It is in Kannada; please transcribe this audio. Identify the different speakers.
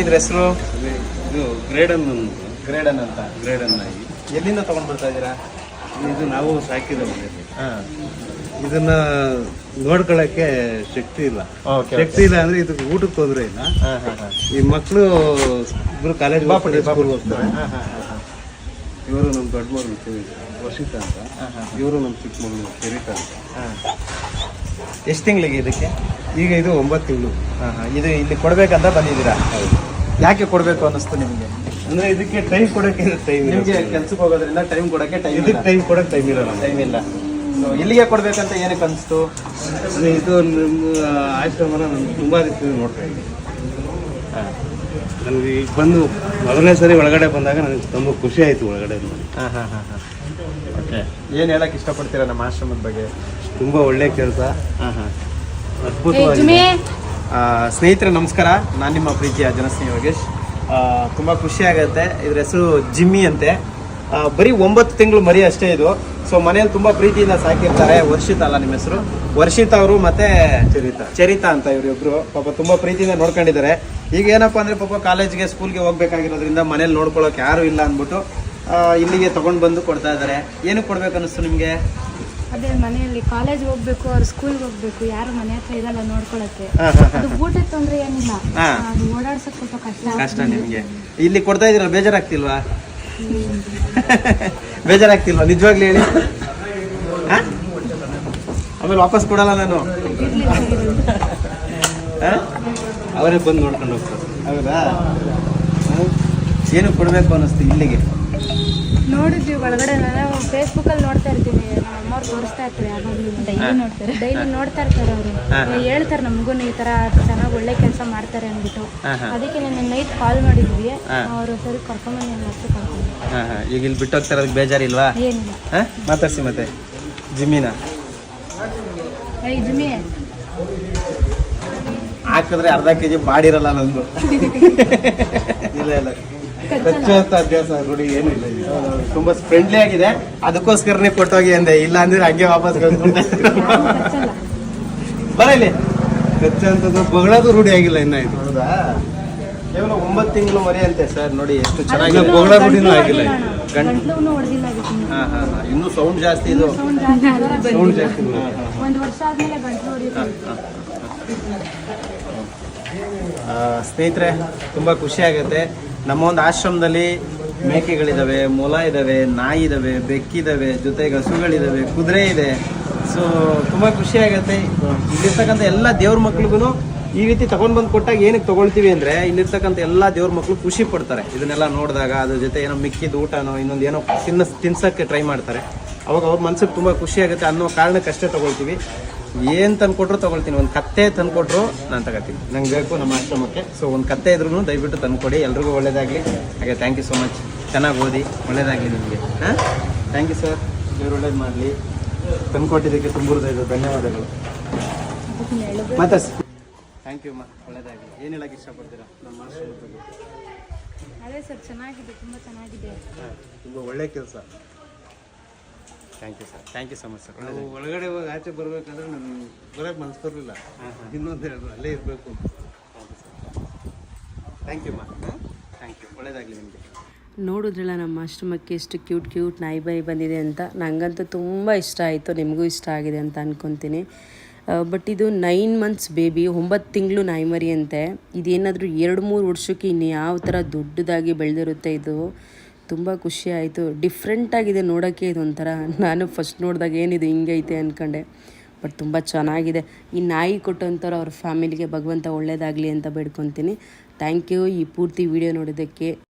Speaker 1: ಇದ್ರ ಹೆಸರು?
Speaker 2: ಇದು ಗ್ರೇಡನ್
Speaker 1: ಗ್ರೇಡನ್ ಅಂತ.
Speaker 2: ಗ್ರೇಡನ್ ನಾಯಿ.
Speaker 1: ಎಲ್ಲಿಂದ ತಗೊಂಡ್ ಬರ್ತಾ ಇದ್ದೀರಾ?
Speaker 2: ಇದು ನಾವು ಸಾಕಿದ ಮನೆ.
Speaker 1: ಹಾಂ,
Speaker 2: ಇದನ್ನ ನೋಡ್ಕೊಳಕ್ಕೆ ಶಕ್ತಿ ಇಲ್ಲ.
Speaker 1: ಓಕೆ.
Speaker 2: ಶಕ್ತಿ ಇಲ್ಲ ಅಂದ್ರೆ ಇದಕ್ಕೆ ಊಟಕ್ಕೆ ತೊಂದರೆ ಇಲ್ಲ.
Speaker 1: ಹಾಂ ಹಾಂ ಹಾಂ.
Speaker 2: ಈ ಮಕ್ಕಳು ಇಬ್ರು ಕಾಲೇಜ್ ಸ್ಕೂಲ್ ಹೋಗ್ತಾರೆ.
Speaker 1: ಹಾಂ ಹಾಂ ಹಾಂ.
Speaker 2: ಇವರು ನಮ್ಮ ದೊಡ್ಡ ಮಗಳು ವರ್ಷಿತ ಅಂತ, ಇವರು ನಮ್ಮ ಚಿಕ್ಕ ಮಗಳು ಚರಿತಾ ಅಂತ.
Speaker 1: ಹಾಂ. ಎಷ್ಟು ತಿಂಗಳಿಗೆ ಇದಕ್ಕೆ?
Speaker 2: ಈಗ ಇದು 9 ತಿಂಗಳು.
Speaker 1: ಹಾಂ ಹಾಂ. ಇದು ಇಲ್ಲಿ ಕೊಡ್ಬೇಕಂತ ಬಂದಿದ್ದೀರಾ? ಯಾಕೆ ಕೊಡಬೇಕು ಅನ್ನಿಸ್ತು ನಿಮಗೆ?
Speaker 2: ಅಂದ್ರೆ ಇದಕ್ಕೆ ಟೈಮ್ ಕೊಡಕ್ಕೆ ಟೈಮ್
Speaker 1: ನಿಮಗೆ ಕೆಲ್ಸಕ್ಕೆ ಹೋಗೋದ್ರಿಂದ ಟೈಮ್ ಕೊಡೋಕ್ಕೆ
Speaker 2: ಇದಕ್ಕೆ ಟೈಮ್ ಕೊಡಕ್ಕೆ ಟೈಮ್ ಇರಲ್ಲ.
Speaker 1: ಟೈಮ್ ಇಲ್ಲ. ಸೊ ಇಲ್ಲಿಗೆ ಕೊಡ್ಬೇಕಂತ ಏನಕ್ಕೆ ಅನಿಸ್ತು?
Speaker 2: ಅಂದ್ರೆ ಇದು ನಮ್ಮ ಆಶ್ರಮನ ನಾನು ತುಂಬಾ ರೀತಿ ನೋಡ್ತಾ ಇದ್ದೀನಿ.
Speaker 1: ಹಾಂ
Speaker 2: ನನಗೆ ಈಗ ಬಂದು ಮೊದಲನೇ ಸರಿ ಒಳಗಡೆ ಬಂದಾಗ ನನಗೆ ತುಂಬ ಖುಷಿ ಆಯಿತು ಒಳಗಡೆ ನೋಡಿ.
Speaker 1: ಹಾಂ ಹಾಂ ಹಾಂ ಹಾಂ. ಓಕೆ. ಏನು ಹೇಳಕ್ಕೆ ಇಷ್ಟಪಡ್ತೀರಾ ನಮ್ಮ ಆಶ್ರಮದ ಬಗ್ಗೆ?
Speaker 2: ತುಂಬ ಒಳ್ಳೆ ಕೆಲಸ,
Speaker 1: ಹಾಂ ಹಾಂ.
Speaker 2: ಅದ್ಭುತವಾಗಿದೆ.
Speaker 1: ಸ್ನೇಹಿತರೆ ನಮಸ್ಕಾರ, ನಾನು ನಿಮ್ಮ ಪ್ರೀತಿಯ ಜನಸ್ನೇಹಿ ಯೋಗೇಶ್. ತುಂಬ ಖುಷಿ ಆಗುತ್ತೆ. ಇದ್ರ ಹೆಸರು ಜಿಮ್ಮಿ ಅಂತೆ. ಬರೀ 9 ತಿಂಗಳು ಮರಿ ಅಷ್ಟೇ ಇದು. ಸೊ ಮನೆಯಲ್ಲಿ ತುಂಬ ಪ್ರೀತಿಯಿಂದ ಸಾಕಿರ್ತಾರೆ. ವರ್ಷಿತ ಅಲ್ಲ ನಿಮ್ಮ ಹೆಸರು? ವರ್ಷಿತ ಅವರು ಮತ್ತೆ ಚರಿತಾ ಅಂತ ಇವರಿಬ್ರು ಪಾಪ ತುಂಬ ಪ್ರೀತಿಯಿಂದ ನೋಡ್ಕೊಂಡಿದ್ದಾರೆ. ಈಗ ಏನಪ್ಪ ಅಂದರೆ ಪಾಪ ಕಾಲೇಜ್ಗೆ ಸ್ಕೂಲ್ಗೆ ಹೋಗ್ಬೇಕಾಗಿರೋದ್ರಿಂದ ಮನೇಲಿ ನೋಡ್ಕೊಳ್ಳೋಕೆ ಯಾರೂ ಇಲ್ಲ ಅಂದ್ಬಿಟ್ಟು ಇಲ್ಲಿಗೆ ತೊಗೊಂಡು ಬಂದು ಕೊಡ್ತಾ ಇದ್ದಾರೆ. ಏನಕ್ಕೆ ಕೊಡ್ಬೇಕು ಅನ್ನಿಸ್ತು ನಿಮಗೆ?
Speaker 3: ಅದೇ ಮನೆಯಲ್ಲಿ ಕಾಲೇಜ್ ಹೋಗ್ಬೇಕು, ಅವ್ರು ಸ್ಕೂಲ್ಗೆ ಹೋಗ್ಬೇಕು, ಯಾರು ಮನೆ ಹತ್ರ ಇರಲ್ಲ ನೋಡ್ಕೊಳಕ್ಕೆ. ಅದು ಊಟದ ತೊಂದರೆ ಏನಿಲ್ಲ, ಅದು ಓಡಾಡ್ಸಕ್ ಸ್ವಲ್ಪ ಕಷ್ಟ
Speaker 1: ನಿಮಗೆ. ಇಲ್ಲಿ ಕೊಡ್ತಾ ಇದೀರಲ್ಲ, ಬೇಜಾರಾಗ್ತಿಲ್ವಾ? ಬೇಜಾರಾಗ್ತಿಲ್ವಾ ನಿಜವಾಗ್ಲೂ ಹೇಳಿ? ಆಮೇಲೆ ವಾಪಸ್ ಕೊಡಲ್ಲ ನಾನು.
Speaker 2: ಅವರೇ ಬಂದು ನೋಡ್ಕೊಂಡು ಹೋಗ್ತಾರೆ.
Speaker 1: ಹೌದಾ? ಏನು ಕೊಡಬೇಕು ಅನ್ನಿಸ್ತು ಇಲ್ಲಿಗೆ?
Speaker 3: ನೋಡಿದ್ವಿ ಒಳಗಡೆ, ನಾನು ಫೇಸ್ಬುಕ್ಕಲ್ಲಿ ನೋಡ್ತಾ ಇರ್ತೀನಿ, ನಮ್ಮ ಅಮ್ಮವ್ರು ತೋರಿಸ್ತಾ ಇರ್ತಾರೆ, ಯಾವಾಗಲೂ ಡೈಲಿ ನೋಡ್ತಾ ಇರ್ತಾರೆ. ಅವರು ಹೇಳ್ತಾರೆ ನಮಗೂ ಈ ಥರ ಚೆನ್ನಾಗಿ ಒಳ್ಳೆ ಕೆಲಸ ಮಾಡ್ತಾರೆ ಅಂದ್ಬಿಟ್ಟು. ಅದಕ್ಕೆ ನಾನು ನೈಟ್ ಕಾಲ್ ಮಾಡಿದ್ವಿ, ಅವರು ಸರಿ ಕರ್ಕೊಂಬಂದು ನಾನು ಅಷ್ಟು ಕರ್ಕೊಂಡು.
Speaker 1: ಈಗ ಇಲ್ಲಿ ಬಿಟ್ಟು ಹೋಗ್ತಾರೆ, ಅದಕ್ಕೆ ಬೇಜಾರಿಲ್ವಾ?
Speaker 3: ಏನಿಲ್ಲ.
Speaker 1: ಮಾತಾಡ್ಸಿ ಮತ್ತೆ ಜಿಮ್ಮಿನ
Speaker 3: ಜಿಮ್ಮಿ
Speaker 1: ಹಾಕಿದ್ರೆ ಅರ್ಧ ಕೆಜಿ ಬಾಡಿರಲ್ಲ ನಂದು.
Speaker 2: ಇಲ್ಲ ಇಲ್ಲ, ಕಚ್ಚುವಂತ ಅಭ್ಯಾಸ ರೂಢಿ ಏನೂ ಇಲ್ಲ.
Speaker 1: ತುಂಬಾ ಫ್ರೆಂಡ್ಲಿ ಆಗಿದೆ, ಅದಕ್ಕೋಸ್ಕರನೇ ಕೊಟ್ಟೋಗಿ ಅಂದೆ. ಇಲ್ಲ ಅಂದ್ರೆ ಹಂಗೆ ವಾಪಸ್ ಬರ ಇಲ್ಲಿ.
Speaker 2: ಕಚ್ಚುವಂಥದ್ದು ಬಗಳದು ರೂಢಿ ಆಗಿಲ್ಲ ಇನ್ನ ಇದು.
Speaker 1: ಹೌದಾ? ಕೇವಲ 9 ತಿಂಗಳು ಮರಿ ಅಂತೆ ಸರ್. ನೋಡಿ ಎಷ್ಟು ಚೆನ್ನಾಗಿ
Speaker 2: ಬೊಗಳ ರೂಢಿನೂ ಆಗಿಲ್ಲ.
Speaker 3: ಗಂಟ್ಲು ಹೊಡೆದಿಲ್ಲ ಅದಕ್ಕೆ.
Speaker 1: ಇನ್ನೂ ಸೌಂಡ್ ಜಾಸ್ತಿ ಇದು.
Speaker 2: ಸೌಂಡ್ ಜಾಸ್ತಿ.
Speaker 3: 1 ವರ್ಷ ಆದ್ಮೇಲೆ ಗಂಟ್ಲು ಹೊಡೆಯುತ್ತೆ.
Speaker 1: ಸ್ನೇಹಿತರೆ ತುಂಬ ಖುಷಿ ಆಗುತ್ತೆ. ನಮ್ಮ ಒಂದು ಆಶ್ರಮದಲ್ಲಿ ಮೇಕೆಗಳಿದ್ದಾವೆ, ಮೊಲ ಇದ್ದಾವೆ, ನಾಯಿ ಇದ್ದಾವೆ, ಬೆಕ್ಕಿದ್ದಾವೆ, ಜೊತೆಗೆ ಹಸುಗಳಿದ್ದಾವೆ, ಕುದುರೆ ಇದೆ. ಸೊ ತುಂಬ ಖುಷಿ ಆಗುತ್ತೆ. ಇಲ್ಲಿರ್ತಕ್ಕಂಥ ಎಲ್ಲ ದೇವ್ರ ಮಕ್ಳಿಗೂ ಈ ರೀತಿ ತಗೊಂಡು ಬಂದು ಕೊಟ್ಟಾಗ ಏನಕ್ಕೆ ತೊಗೊಳ್ತೀವಿ ಅಂದರೆ, ಇಲ್ಲಿರ್ತಕ್ಕಂಥ ಎಲ್ಲ ದೇವ್ರ ಮಕ್ಕಳು ಖುಷಿ ಪಡ್ತಾರೆ ಇದನ್ನೆಲ್ಲ ನೋಡಿದಾಗ. ಅದ್ರ ಜೊತೆ ಏನೋ ಮಿಕ್ಕಿದ ಊಟನೋ ಇನ್ನೊಂದು ಏನೋ ತಿನ್ಸೋಕ್ಕೆ ಟ್ರೈ ಮಾಡ್ತಾರೆ. ಅವಾಗ ಅವ್ರ ಮನ್ಸಿಗೆ ತುಂಬ ಖುಷಿ ಆಗುತ್ತೆ ಅನ್ನೋ ಕಾರಣಕ್ಕಷ್ಟೇ ತೊಗೊಳ್ತೀವಿ. ಏನು ತಂದುಕೊಟ್ರು ತೊಗೊಳ್ತೀನಿ. ಒಂದು ಕತ್ತೆ ತಂದುಕೊಟ್ರು ನಾನು ತಗೋತೀನಿ, ನಂಗೆ ಬೇಕು ನಮ್ಮ ಆಶ್ರಮಕ್ಕೆ. ಸೊ ಒಂದು ಕತ್ತೆ ಇದ್ರೂ ದಯವಿಟ್ಟು ತಂದುಕೊಡಿ. ಎಲ್ರಿಗೂ ಒಳ್ಳೇದಾಗಲಿ. ಹಾಗೆ ಥ್ಯಾಂಕ್ ಯು ಸೊ ಮಚ್. ಚೆನ್ನಾಗಿ ಓದಿ, ಒಳ್ಳೇದಾಗಲಿ ನಿಮಗೆ. ಥ್ಯಾಂಕ್ ಯು ಸರ್, ದೇವ್ರು ಒಳ್ಳೇದು ಮಾಡಲಿ. ತಂದುಕೊಟ್ಟಿದ್ದಕ್ಕೆ ತುಂಬ ಧನ್ಯವಾದಗಳು. ಮತ್ತೆ ಥ್ಯಾಂಕ್ ಯು ಅಮ್ಮ, ಒಳ್ಳೇದಾಗಲಿ. ಏನು ಹೇಳಕ್ಕೆ ಇಷ್ಟಪಡ್ತೀರಾ ನಮ್ಮ ಆಶ್ರಮದ ಬಗ್ಗೆ?
Speaker 3: ಅದೇ ಸರ್, ಚೆನ್ನಾಗಿದೆ, ತುಂಬ ಚೆನ್ನಾಗಿದೆ.
Speaker 2: ತುಂಬ ಒಳ್ಳೆ ಕೆಲಸ.
Speaker 1: Thank you sir, thank you so much sir.
Speaker 2: ನಾವು ಒಳಗಡೆ ಹೋಗಿ ಆಚೆ ಬರ್ಬೇಕಂದ್ರೆ ನಮ್ಗೆ ಬರೋಕ್ಕೆ ಮನಸ್ಸು ಬರಲಿಲ್ಲ. ಇನ್ನೊಂದು ಹೇಳಿದ್ರು ಅಲ್ಲೇ ಇರಬೇಕು.
Speaker 1: ಥ್ಯಾಂಕ್ ಯು ಅಮ್ಮ, ಥ್ಯಾಂಕ್ ಯು, ಒಳ್ಳೇದಾಗಲಿ ನಿಮಗೆ.
Speaker 4: ನೋಡಿದ್ರಲ್ಲ ನಮ್ಮ ಆಶ್ರಮಕ್ಕೆ ಎಷ್ಟು ಕ್ಯೂಟ್ ನಾಯಿ ಬೈ ಬಂದಿದೆ ಅಂತ. ನನಗಂತೂ ತುಂಬ ಇಷ್ಟ ಆಯಿತು, ನಿಮಗೂ ಇಷ್ಟ ಆಗಿದೆ ಅಂತ ಅಂದ್ಕೊತೀನಿ. ಬಟ್ ಇದು 9 ಮಂತ್ಸ್ ಬೇಬಿ, 9 ತಿಂಗಳು ನಾಯಿ ಮರಿ ಅಂತೆ. ಇದೇನಾದರೂ 2-3 ವರ್ಷಕ್ಕೆ ಇನ್ನು ಯಾವ ಥರ ದೊಡ್ಡದಾಗಿ ಬೆಳೆದಿರುತ್ತೆ. ಇದು ತುಂಬ ಖುಷಿ ಆಯಿತು. ಡಿಫ್ರೆಂಟಾಗಿದೆ ನೋಡೋಕ್ಕೆ ಇದೊಂಥರ. ನಾನು ಫಸ್ಟ್ ನೋಡಿದಾಗ ಏನಿದು ಹಿಂಗೈತೆ ಅಂದ್ಕೊಂಡೆ, ಬಟ್ ತುಂಬ ಚೆನ್ನಾಗಿದೆ. ಈ ನಾಯಿ ಕೊಟ್ಟಂಥವ್ರು ಅವ್ರ ಫ್ಯಾಮಿಲಿಗೆ ಭಗವಂತ ಒಳ್ಳೇದಾಗಲಿ ಅಂತ ಬೇಡ್ಕೊತೀನಿ. ಥ್ಯಾಂಕ್ ಯು ಈ ಪೂರ್ತಿ ವಿಡಿಯೋ ನೋಡೋದಕ್ಕೆ.